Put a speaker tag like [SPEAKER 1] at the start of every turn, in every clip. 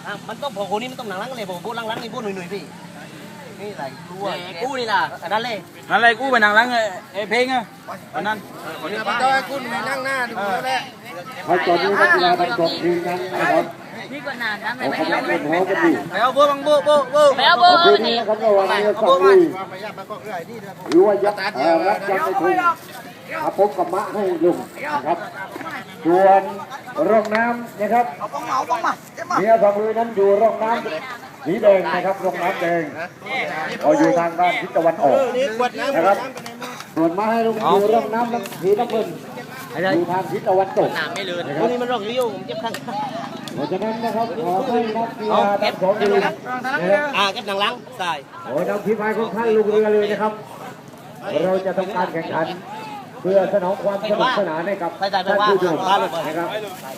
[SPEAKER 1] มันต้องพอคนนี้มันต้องหนังลังเลยผมพูดลังนี่พูดหนุ่ยพี่นี่อะไรกู้นี่ล่ะนั่นเลย
[SPEAKER 2] นั่นเลยกู้ไปนั่งหลังไอ้เพลงอ่ะอันนั้น
[SPEAKER 1] คนนี้มันต้องให้กู้ไปนั่งหน้าดูแล้วแหละ
[SPEAKER 3] ตอนนี้นักกีฬาทั้งสองทีมนั้นนะครับ
[SPEAKER 4] นี่ก็นานนะ
[SPEAKER 3] เขากำลังเป็นหัวกันอยู่
[SPEAKER 1] ไปเอาโบ้บังโบ้
[SPEAKER 4] ไปเอาโบ้
[SPEAKER 3] นี่นะครับระหว่างนี้ฝั่งลุยหรือว่ายักษ์รับยักษ์ในทุ่งอาพบกับมะให้ลุงนะครับส่วนร่องน้ำนะครับเมียฝั่งลุยนั้นอยู่ร่องน้ำสีแดงนะครับร่องน้ำแดงเขาอยู่ทางด้านทิศตะวันออกนะครับส่วนมะให้ลุงอยู่ร่องน้ำสีน้ำเงินอยู่ทางทิศตะวันตก
[SPEAKER 1] ไม่เลือนคนนี้มันร่องยุ่งผมเจ็บข้าง
[SPEAKER 3] เพราะฉะนั้นนะครับขอให้นักกีฬาทั้งสองทีมนะครับ
[SPEAKER 1] เก็บหนังลังใส่
[SPEAKER 3] ขอนำทีมงานของท่านลงเรือเลยนะครับเราจะทำการแข่งขันเพื่อสนองความสนุกสนานให้กับท่านผู้ชมนะครับ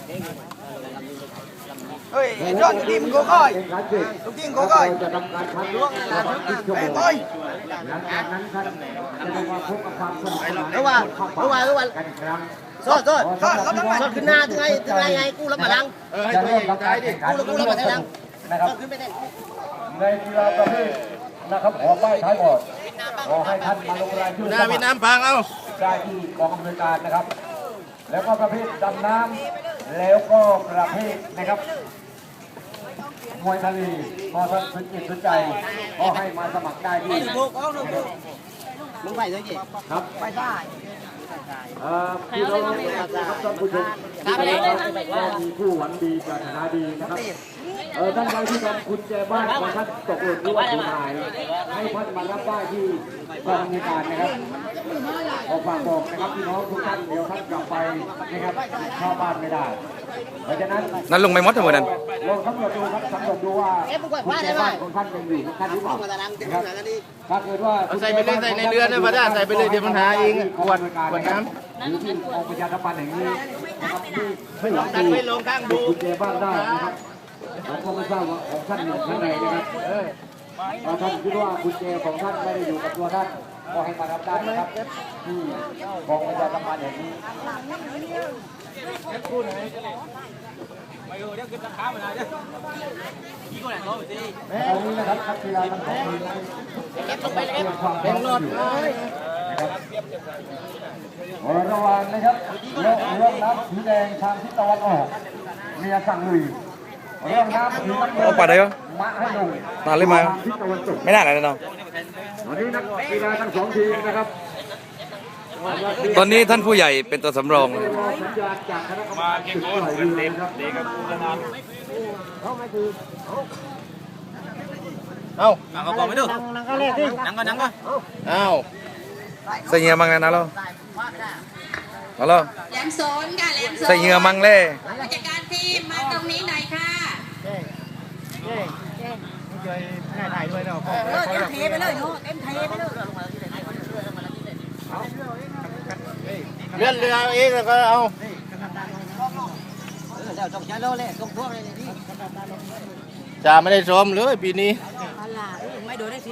[SPEAKER 1] เฮ้ยยอดทีมโก้ก้อยทีมโก้ก้อย
[SPEAKER 3] จะทำการคัดล่วง10 ชั่วโมงหลังจากนั้นท่านจะมาพบกับความสนุกสนาน
[SPEAKER 1] ระหว่าง
[SPEAKER 3] กันอีกครั้ง
[SPEAKER 1] สดขึ้นหน้าถึงไงกู้รับมาลัง
[SPEAKER 3] จะเริ่มทำการแข่งขัน
[SPEAKER 1] กู้รับมาลัง
[SPEAKER 3] นะครับในกีฬาประเภทนะครับขอป้ายท้ายบอร์ดขอให้ท่านมาลงรายชื่อ
[SPEAKER 1] วิน้ำพังเอา
[SPEAKER 3] ได้ที่กองอำนวยการนะครับแล้วก็ประเภทดำน้ำแล้วก็ประเภทนะครับมวยทะเลพอท่านสนจิตสนใจก็ให้มาสมัครได้ที่
[SPEAKER 1] มึงไปเลยจี
[SPEAKER 3] ครับไปได้พี่น้องครับท่านผู้ชมก็มีผู้หวังดีปรารถนาดีนะครับท่านใดที่ทำคุณแจบ้านของท่านตกหล่นหรือว่าสูญหายให้ท่านมารับได้ที่กองอำนวยการนะครับขอฝากบอกนะครับพี่น้องทุกท่านเดี๋ยวท่านกลับไปนะครับเข้าบ้านไม่ได้เพราะฉะนั้น
[SPEAKER 2] นั่นลงไม่มดทั้งหมดนั่น
[SPEAKER 3] ลองสำรวจดูครับสำรวจดูว่าคุณแจบ้านของท่านยังอยู่ท่านหรือเปล่านะครับถ้าเกิดว่า
[SPEAKER 1] ใส่ไปเลยใส่ในเรือนะมาได้ใส่ไปเลยเดี๋ยวมันหาเองขวดน้ำ
[SPEAKER 3] หรือที่กองประชาสัมพันธ์แห่งนี้นะครับที่ไม่หวังดี
[SPEAKER 1] ไม่ลงข้างดู
[SPEAKER 3] คุณแจบ้านได้นะครับผมก็ไม่ทราบว่าของท่านอยู่ข้างในนะครับถ้าท่านคิดว่ากุญแจของท่านไม่ได้อยู่กับตัวท่านก็ให้มารับได้นะครับที่กองประชาสัมพันธ์แห่งนี้ตอนนี้นะครับนักกีฬาทั้งสองทีมเป็นรถนะครับระหว่างนะครับเรื่องน้ำสีแดงทางทิศตะวันออกเมียสั่งลุยเรื่องน้ำสีน้ำเงิน
[SPEAKER 2] ปาดได้ปะ
[SPEAKER 3] มาให้ลง
[SPEAKER 2] นานเลยมาไม่น่าเลยเนาะ
[SPEAKER 3] วันนี้นักกีฬาทั้งสองทีมนะครับ
[SPEAKER 2] ตอนนี้ท่านผู้ใหญ่เป็นตัวสำรอง
[SPEAKER 3] มาเก่งโอนเต็มครับเด็กกับกูนาน
[SPEAKER 1] เอา
[SPEAKER 2] ก็บอกไม่ดู
[SPEAKER 1] นั่งก็เล่นดินั่งก็เอา
[SPEAKER 2] ใส่เหงื่อมังนะเราเอาล่ะ
[SPEAKER 4] แหลมโซนค่ะแหลมโซน
[SPEAKER 2] ใส่เหงื่อมังเล่
[SPEAKER 4] ผู้จัดการทีมมาตรงนี้หน่อยค่ะ
[SPEAKER 1] ช่วยถ่ายด้วยเนาะ
[SPEAKER 4] เต็มเทไปเลยเนาะเต็มเทไปเลย
[SPEAKER 1] เลื่อนเรือเองแล้วก็เอาจ่าไม่ได้ชมเลยปีนี้
[SPEAKER 4] ไม่โดนได้สิ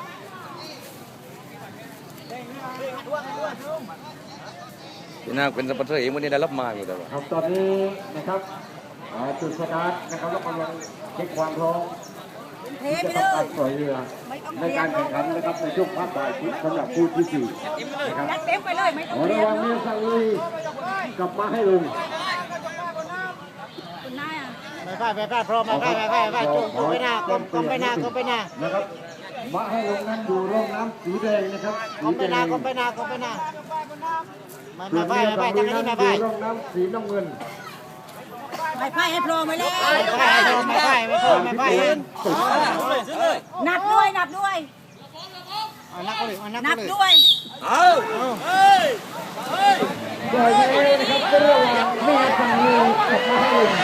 [SPEAKER 2] พี่นาเป็นสปอนเซอร์เองวันนี้ได้รับมาอยู่แต่ว่า
[SPEAKER 3] ตอนนี้นะครับจุดสตาร์ทนะครับแล้วกำลังเช็คความพร้อมที่จะทำการปล่อยเรือในการแข่งขันนะครับในช่วงภาคบ่ายสำหรับคู่ที่สี่นะครับ
[SPEAKER 4] เต็มไปเลยไม่ต้อง
[SPEAKER 3] ระวังเมียสั่งลุยกลับมาให้ลง
[SPEAKER 1] ไปพร้อมไปจุ่มไปหน้ากลมไปหน้
[SPEAKER 3] นะครับมาให้ลงนั้นอยู่ร่องน้ำสีแดงนะครับ
[SPEAKER 1] กลมไปหน้าส่วนเมียสั่งลุยนั้นอยู่
[SPEAKER 3] ร่องน้ำสีน้ำเงิน
[SPEAKER 4] ไม่ไพ่ให้โผล่ไปเลย
[SPEAKER 1] ไม่
[SPEAKER 4] นับด้วยนับด้วย
[SPEAKER 3] ปล่อยเลยนะครับก็ระหว่างเมียสั่งลุยกับมาให้ลง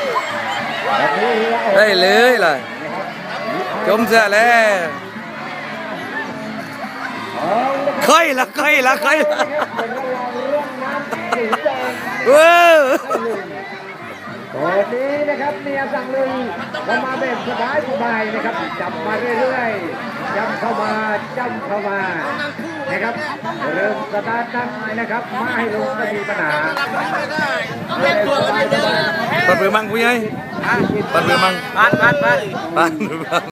[SPEAKER 2] ได้เลยล่ะจมเสียแล้วเคยละ
[SPEAKER 3] ตอนนี้นะครับเมียสั่งลุยเข้ามาแบบสบายนะครับจับมาเรื่อยๆจับเข้ามานะครับเริ่มสตาร์ทตั้งนะครับมาให้ลงไม่มีปัญหา
[SPEAKER 2] ตัดเรือมังผู้ใหญ่ตัดเรือมัง
[SPEAKER 1] บ้าน
[SPEAKER 2] บ้าน